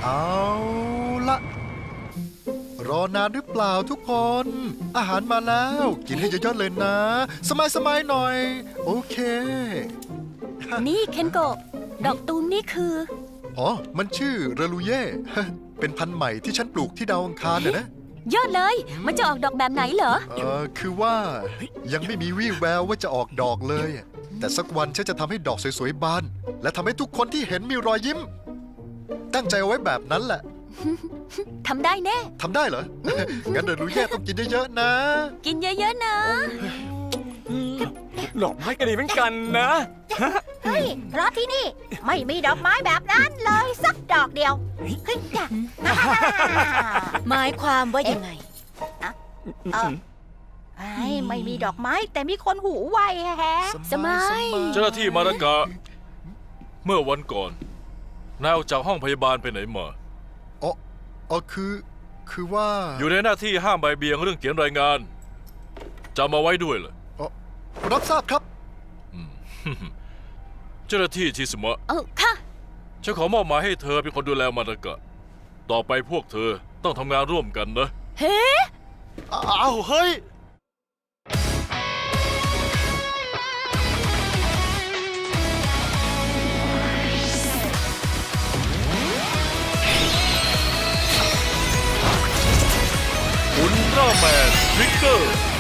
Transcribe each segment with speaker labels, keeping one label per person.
Speaker 1: เอาละรอนานหรือเปล่าทุกคน อาหารมาแล้วกินให้เยอะๆเลยนะ สบายๆหน่อย โอเค
Speaker 2: นี่เคนโกะดอกตูมนี่คือ
Speaker 1: อ๋อ มันชื่อเรลูเย่ เป็นพันธุ์ใหม่ที่ฉันปลูกที่ดาวอังคารนะ
Speaker 2: ยอดเลย มันจะออกดอกแบบไหนเหรอ
Speaker 1: คือว่ายังไม่มีวี่แววว่าจะออกดอกเลย แต่สักวันฉันจะทำให้ดอกสวยๆบาน และทำให้ทุกคนที่เห็นมีรอยยิ้ม ตั้งใจเอาไว้แบบนั้นแหละ
Speaker 2: ทำได้แน่
Speaker 1: ทำได้เหรอ งั้นเรลูเย่ต้องกินเยอะๆนะ
Speaker 2: กินเยอะๆนะ
Speaker 3: ดอกไม้ก็ดีเหมือนกันนะ
Speaker 4: เฮ้ยเพราะที่นี่ไม่มีดอกไม้แบบนั้นเลยสักดอกเดียวเฮ้ยจ้ะ
Speaker 5: หมายความว่ายังไง
Speaker 4: ไม่มีดอกไม้แต่มีคนหูไวแฮะ
Speaker 2: สมัย
Speaker 6: เจ้าหน้าที่มารากะ เมื่อวันก่อนนายออกจากห้องพยาบาลไปไหนมา
Speaker 1: คือว่า
Speaker 6: อยู่ในหน้าที่ห้ามใบเบี่ยงเรื่องเขียนรายงานจำมาไว้ด้วยเลย
Speaker 1: รับทราบครับ
Speaker 6: เจ้าหน้าที่ชิสมะ
Speaker 2: ค่ะ
Speaker 6: ฉันขอมอบหมายให้เธอเป็นคนดูแลมารากะ ต่อไปพวกเธอต้องทำงานร่วมกันนะ
Speaker 2: เฮ้
Speaker 3: อ้าวเฮ้ย
Speaker 6: อุลตร้าแมนทริกเกอร์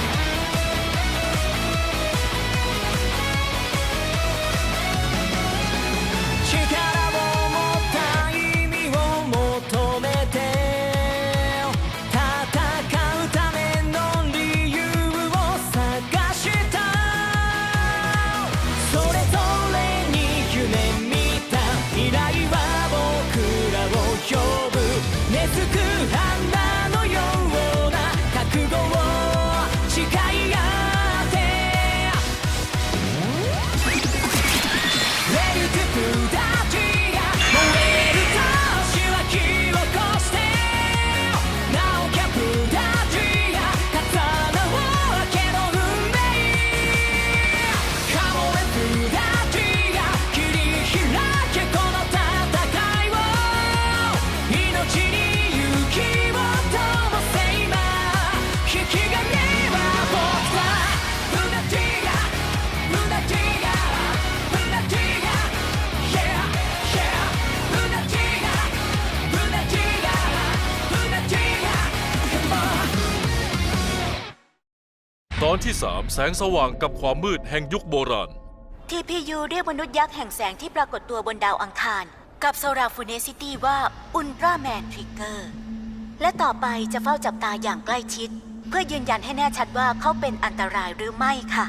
Speaker 6: ตอนที่ 3 แสงสว่างกับความมืดแห่งยุคโบราณ
Speaker 5: TPU เรียกมนุษย์ยักษ์แห่งแสงที่ปรากฏตัวบนดาวอังคารกับโซราฟูเนซิตี้ว่าอุลตร้าแมนทริกเกอร์และต่อไปจะเฝ้าจับตาอย่างใกล้ชิดเพื่อยืนยันให้แน่ชัดว่าเขาเป็นอันตรายหรือไม่ค่ะ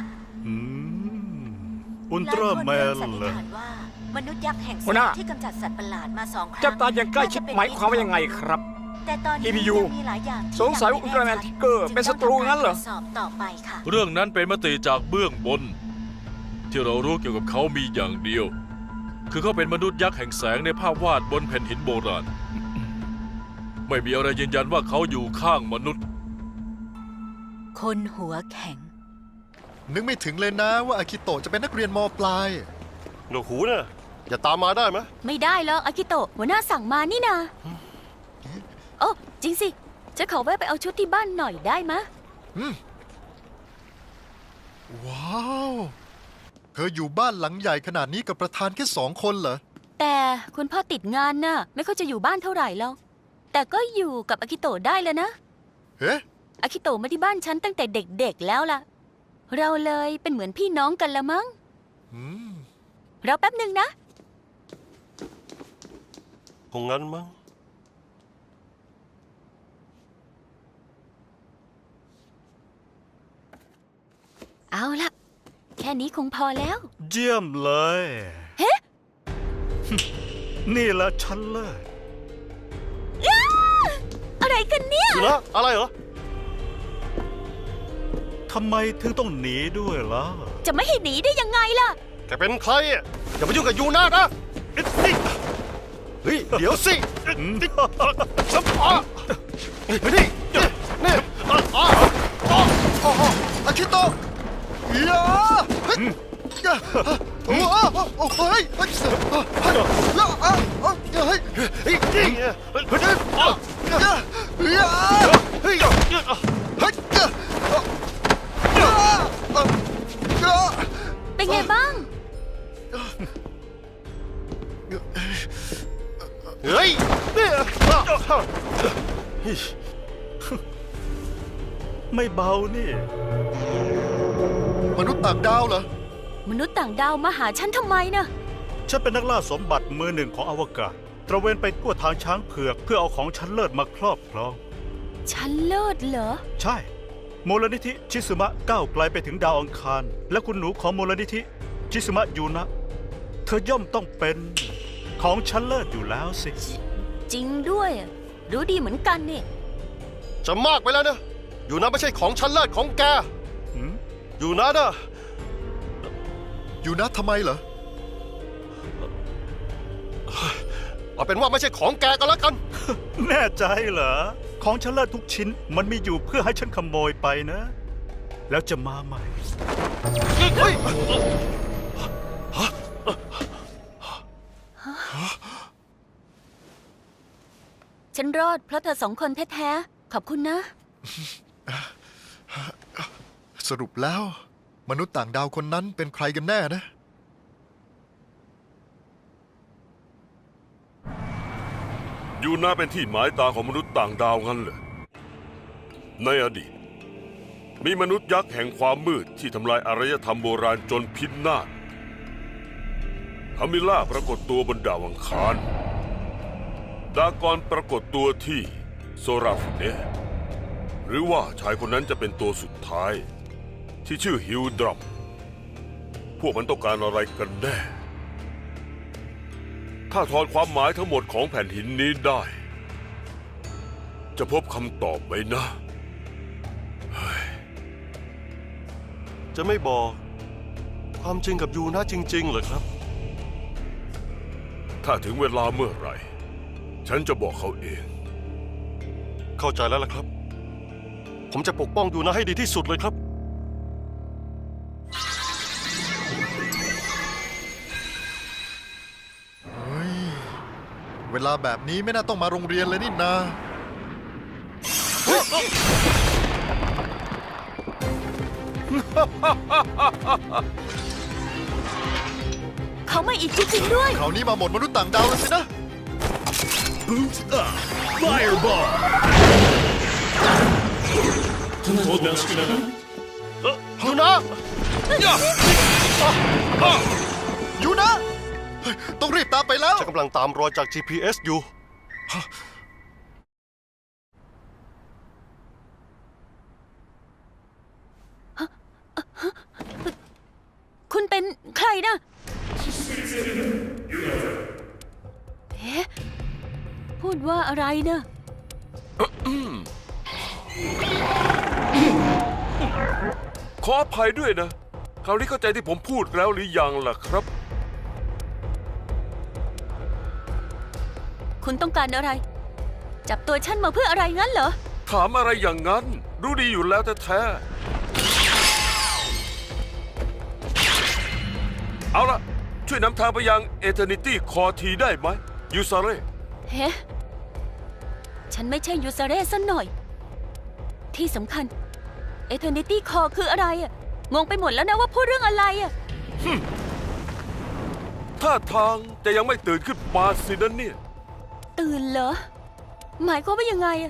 Speaker 3: อุลตร้าแมน
Speaker 5: หลายคนเริ่มสันนิ
Speaker 3: เหร
Speaker 5: ษ
Speaker 3: อ
Speaker 5: ฐานว่ามนุษย์ยักษ์แห่งแส
Speaker 3: หัวหน้า
Speaker 5: งที่กำจัดสัตว์ประหลาดมา2 ครั้ง
Speaker 3: จับตาอย่างใกล้ชิดหมายความว่ายังไงครับ
Speaker 5: แต่ตอนนี้
Speaker 3: TPU
Speaker 5: ยังมีหลายอย่างที่
Speaker 3: สงสัยว่าอุลตร้าแมนทริกเกอร์เป็นศัตรูงั้นเหรอ
Speaker 5: จึต้องทำการตวจสอบต่อไปค่ะ
Speaker 6: เรื่องนั้นเป็นมติจากเบื้องบน ที่เรารู้เกี่ยวกับเขามีอย่างเดียว คือเขาเป็นมนุษย์ยักษ์แห่งแสงในภาพวาดบนแผ่นหินโบราณ ไม่มีอะไรยืนยันว่าเขาอยู่ข้างมนุษย์
Speaker 5: คนหัวแข็ง
Speaker 1: นึกไม่ถึงเลยนะว่าอากิโตะจะเป็นนักเรียนม.ปลาย
Speaker 3: หนวกหูเนี่ยอย่าตามมาได้ไหม
Speaker 2: ไม่ได้หรอกอากิโตะหัวหน้าสั่งมานี่นาโอ้จริงสิจะขอแวะไปเอาชุดที่บ้านหน่อยได้มะ
Speaker 1: ว้าว เธออยู่บ้านหลังใหญ่ขนาดนี้กับประธานแค่2 คนเหรอ
Speaker 2: แต่คุณพ่อติดงานน่ะไม่ค่อยจะอยู่บ้านเท่าไหร่หรอกแต่ก็อยู่กับอากิโตะได้แล้วนะ
Speaker 1: เฮ้
Speaker 2: อากิโตะมาที่บ้านฉันตั้งแต่เด็กๆแล้วล่ะ เราเลยเป็นเหมือนพี่น้องกันละมั้งรอแป๊บหนึ่งนะ
Speaker 3: คงงั้นมั้ง
Speaker 2: เอาล่ะ แค่นี้คงพอแล้ว
Speaker 7: เยี่ยมเลย
Speaker 2: เฮ้
Speaker 7: นี่แหละฉันเลย
Speaker 2: อะไรกันเนี่ย
Speaker 3: อยู่นะอะไรเหรอ
Speaker 7: ทำไมถึงต้องหนีด้วยล่ะ
Speaker 2: จะไม่ให้หนีได้ยังไงล่ะ
Speaker 3: แกเป็นใครอ่ะอย่ามายุ่งกับยูน่านะเฮ้ย เดี๋ยวสิสัมภานี่
Speaker 1: อากิโตะยาโอ้โอ้เฮ้ยเฮ้ยเฮ้ยเฮ้ย
Speaker 3: เฮ้ยนี่ไงเฮ้ยเฮ้ย
Speaker 1: เฮ้ย
Speaker 2: เป็นไงบ้าง
Speaker 3: เฮ้ยเนี่ย
Speaker 7: ไม่เบานี่
Speaker 1: มนุษย์ต่างดาวเหรอ
Speaker 2: มนุษย์ต่างดาวมาหาฉันทำไมนะ
Speaker 7: ฉันเป็นนักล่าสมบัติมือหนึ่งของอวกาศ ตระเวนไปทั่วทางช้างเผือกเพื่อเอาของชั้นเลิศมาครอบครอง
Speaker 2: ฉันเลิศเหรอ
Speaker 7: ใช่มูลนิธิชิซึมะก้าวไกลไปถึงดาวอังคาร และคุณหนูของมูลนิธิชิซึมะยูนะ เธอย่อมต้องเป็นของชั้นเลิศอยู่แล้วสิ
Speaker 2: จริงด้วยอะรู้ดีเหมือนกันนี่
Speaker 3: จะมากไปแล้วนะอยู่นะไม่ใช่ของชั้นเลิศของแก
Speaker 7: หืม
Speaker 3: อยู่นะนะ
Speaker 1: อยู่นะทำไมเหรอ
Speaker 3: เอาเป็นว่าไม่ใช่ของแกก็แล้วกัน
Speaker 7: แน่ใจเหรอ ของชั้นเลิศทุกชิ้นมันมีอยู่เพื่อให้ฉันขโมยไปนะ แล้วจะมาใหม่
Speaker 3: เฮ้ย
Speaker 2: ฉันรอดเพราะเธอสองคนแท้ๆ ขอบคุณนะ
Speaker 1: สรุปแล้ว มนุษย์ต่างดาวคนนั้นเป็นใครกันแน่นะ
Speaker 8: ยูน่าเป็นที่หมายตาของมนุษย์ต่างดาวงั้นเหรอในอดีต มีมนุษย์ยักษ์แห่งความมืดที่ทำลายอารยธรรมโบราณจนพินาศฮามิล่าปรากฏตัวบนดาวอังคารดากอนปรากฏตัวที่โซราฟุเนหรือว่าชายคนนั้นจะเป็นตัวสุดท้ายที่ชื่อฮิวดรัมพวกมันต้องการอะไรกันแน่ ถ้าถอนความหมายทั้งหมดของแผ่นหินนี้ได้ จะพบคำตอบไหมนะ
Speaker 3: จะไม่บอกความจริงกับยูนะจริงๆเหรอครับ
Speaker 8: ถ้าถึงเวลาเมื่อไหร่ ฉันจะบอกเขาเอง
Speaker 3: เข้าใจแล้วล่ะครับ ผมจะปกป้องยูนะให้ดีที่สุดเลยครับ
Speaker 1: เฮ้ย เวลาแบบนี้ไม่น่าต้องมาโรงเรียนเลยนี่นา
Speaker 2: เขามาอีกจริงๆด้วย
Speaker 1: คราวนี้มาหมดมนุษย์ต่างดาวแล้วสินะ
Speaker 3: ยูนะ
Speaker 1: อยู่นะเฮ้ยต้องรีบตามไปแล้ว
Speaker 3: ฉันกำลังตามรอยจาก GPS อยู่
Speaker 2: คุณเป็นใครนะเอ๊ะพูดว่าอะไรนะ
Speaker 8: ขออภัยด้วยนะ คราวนี้เข้าใจที่ผมพูดแล้วหรือยังล่ะครับ
Speaker 2: คุณต้องการอะไร จับตัวฉันมาเพื่ออะไรงั้นเหรอ
Speaker 8: ถามอะไรอย่างนั้น รู้ดีอยู่แล้วแท้ๆเอาล่ะ ช่วยนำทางไปยังเอเทอร์นิตี้คอทีได้ไหมยูซาเร่
Speaker 2: เฮ้ฉันไม่ใช่ยูซาเร่ซะหน่อย ที่สำคัญ Eternity Core คืออะไรอะงงไปหมดแล้วนะว่าพูดเรื่องอะไรอะ
Speaker 8: ท่าทางจะยังไม่ตื่นขึ้นมาสินะเนี่ย
Speaker 2: ตื่นเหรอ หมายความว่ายังไงอะ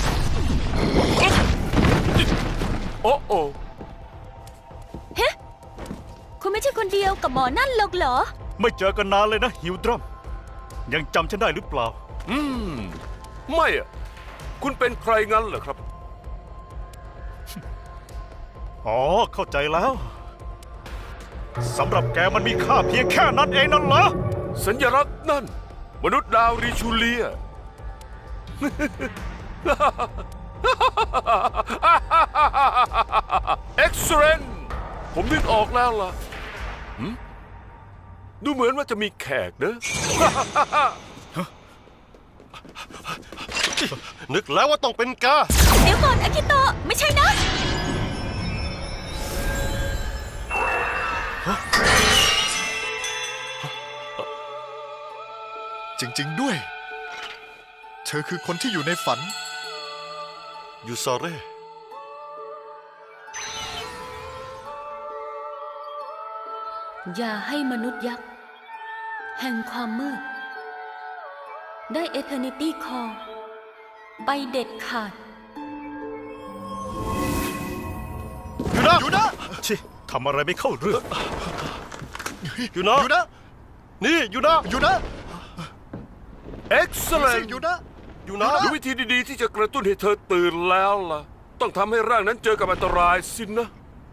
Speaker 8: โอ้โอ
Speaker 2: เฮ้คุณไม่ใช่คนเดียวกับหมอนั่นหรอกเหรอ
Speaker 7: ไม่เจอกันนานเลยนะฮิวดรัมยังจำฉันได้หรือเปล่า
Speaker 8: ไม่อะคุณเป็นใครงั้นเหรอครับ
Speaker 7: อ๋อ เข้าใจแล้วสำหรับแกมันมีค่าเพียงแค่นั้นเองนั่นเหรอ
Speaker 8: สัญลักษณ์นั่น มนุษย์ดาวริชูเลีย เอ็กซ์เรนผมนึกออกแล้วล่ะดูเหมือนว่าจะมีแขกเนอะ
Speaker 3: นึกแล้วว่าต้องเป็นกา
Speaker 2: เดี๋ยวก่อนอากิโตะไม่ใช่นะ
Speaker 1: ริงๆด้วย เธอคือคนที่อยู่ในฝัน
Speaker 3: ยูซาเร่
Speaker 2: อย่าให้มนุษย์ยักษ์ แห่งความมืด ได้เอเทอร์นิตี้คอร์ไปเด็ดขาด
Speaker 3: ยูนะ
Speaker 7: ชิทำอะไรไม่เข้าเรื่อง
Speaker 3: ยูนะ
Speaker 1: อยู่นะ
Speaker 3: นี่ยูนะ
Speaker 1: อยู่นะ
Speaker 8: Excellent
Speaker 1: อยู่นะ
Speaker 3: ยูนะ
Speaker 8: รู้วิธีดีๆที่จะกระตุ้นให้เธอตื่นแล้วล่ะ ต้องทำให้ร่างนั้นเจอกับอันตรายสินะ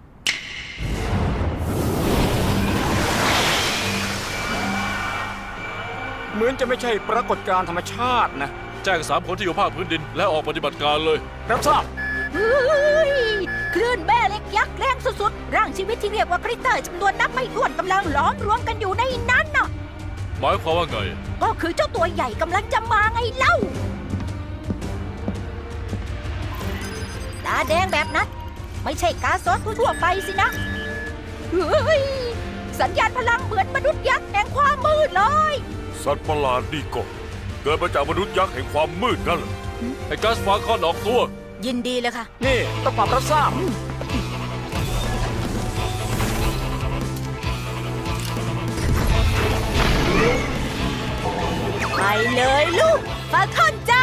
Speaker 9: เหมือนจะไม่ใช่ปรากฏการณ์ธรรมชาตินะ
Speaker 6: แจ้ง3 คนที่อยู่ภาคพื้นดินและออกปฏิบัติการเลย
Speaker 9: รับทราบ
Speaker 4: เฮ้ยคลื่นแม่เหล็กยักษ์แรงสุดๆร่างชีวิตที่เรียกว่าคริสเตอร์จำนวนนับไม่ถ้วนกำลังล้อมรวมกันอยู่ในนั้นน่ะ
Speaker 6: หมายความว่าไง
Speaker 4: ก็คือเจ้าตัวใหญ่กำลังจะมาไงเล่า ตาแดงแบบนั้น ไม่ใช่กาซอสทั่วๆไปสินะ เฮ้ย สัญญาณพลังเหมือนมนุษย์ยักษ์แห่งความมืดเลย
Speaker 8: สัตว์ประหลาดนี่ก็เกิดมาจากมนุษย์ยักษ์แห่งความมืดนั่นแหละ
Speaker 6: ให้กัสฟาคอนออกตัว
Speaker 5: ยินดีเลยค่ะ
Speaker 9: นี่ต้องความรับทราบ
Speaker 5: ไปเลยลูกฟาคอนจ้า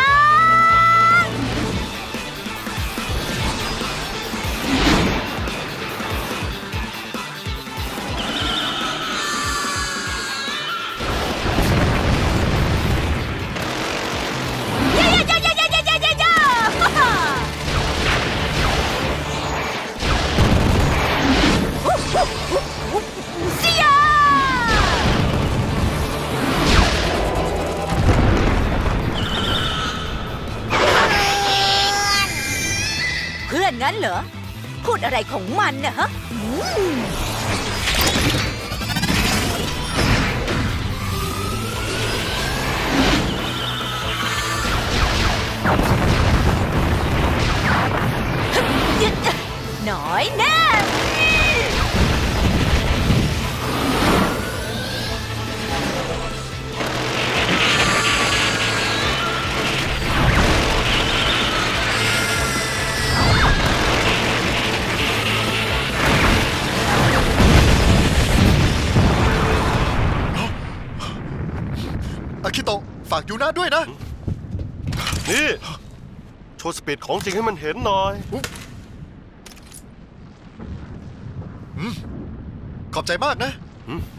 Speaker 5: เพื่อนงั้นเหรอ พูดอะไรของมันน่ะฮะ หน่อยแน่
Speaker 1: อาคิโตะฝากยูนะด้วยนะ
Speaker 3: นี่ โชว์สปีดของจริงให้มันเห็นหน่อย
Speaker 1: ขอบใจมากนะ
Speaker 3: อืม